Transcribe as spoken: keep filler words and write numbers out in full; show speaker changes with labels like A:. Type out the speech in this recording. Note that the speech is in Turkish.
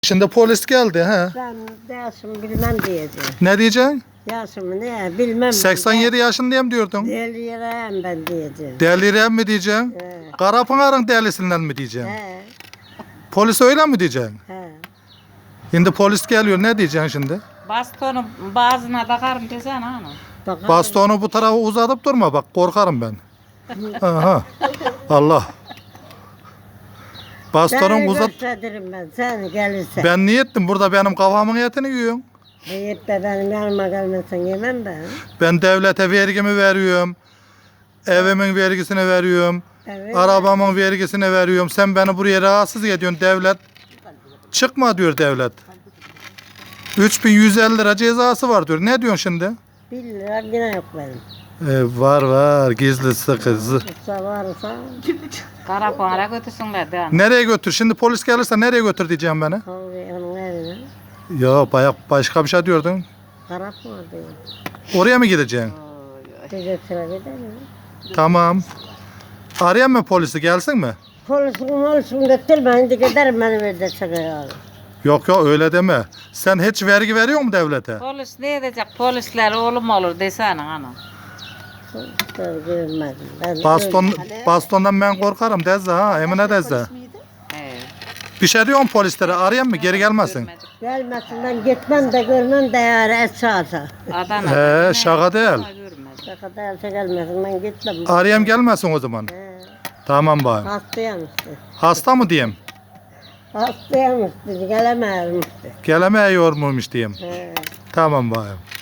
A: Şimdi polis geldi he.
B: Ben Yasin bilmem diyeceğim.
A: Ne diyeceksin?
B: Yasin ne bilmem.
A: seksen yedi yaşındayım diyordun.
B: Delireyim ben diyeceğim.
A: Delirem mi diyeceksin?
B: He.
A: Karapınar'ın delisinden mi diyeceksin?
B: He.
A: Polis öyle mi diyeceksin?
B: He.
A: Şimdi polis geliyor, ne diyeceksin şimdi?
C: Bastonu bazına takarım desene hanım.
B: Bakalım.
A: Bastonu bu tarafa uzatıp durma, bak korkarım ben. Aha. Allah. Bastonun
B: Seni
A: uzat.
B: gösteririm ben seni gelirse.
A: Ben niye ettim? Burada benim kafamın etini yiyorsun.
B: Yiyip de benim yanıma gelmesen yemem ben.
A: Ben devlete vergimi veriyorum. Evimin vergisini veriyorum.
B: Evet.
A: Arabamın vergisini veriyorum. Sen beni buraya rahatsız ediyorsun devlet. Çıkma diyor devlet. üç bin yüz elli lira cezası var diyor. Ne diyorsun şimdi?
B: Bir lira yine yok benim.
A: Ee, var var, gizli sıkı.
B: Yoksa varsa
C: Karapuan'a götürsünler de hanım.
A: Nereye götür? Şimdi polis gelirse nereye götür diyeceğim beni?
B: kahve onun evine.
A: Ya bayağı başka bir şey diyordun.
B: Karap var diyor.
A: Oraya mı gideceksin?
B: Bize sıra gider mi?
A: Tamam. Arayayım mı polisi, gelsin mi?
B: Polisin polisin getirme. Şimdi giderim benim evde çıkıyor.
A: Yok yok öyle deme. Sen hiç vergi veriyor mu devlete?
C: Polis ne edecek? Polisler oğlum olur desene hanım.
B: Polisler görmedim. Ben
A: Baston, bastondan ben korkarım Dezze ha, Emine Dezze.
C: Evet.
A: Bir şey diyorum polislere, arayayım mı, geri gelmesin.
B: gelmesin ben gitmem de görmem de yani esası.
C: Adana.
A: He, şaka değil.
B: Şaka değilse gelmesin ben gitmem.
A: Arayayım gelmesin o zaman.
B: He,
A: Tamam bayım.
B: hastayım işte.
A: Hasta mı diyeyim?
B: Hastayım işte. Gelemem işte.
A: Gelemiyor muymuş diyeyim.
B: He.
A: Tamam bayım.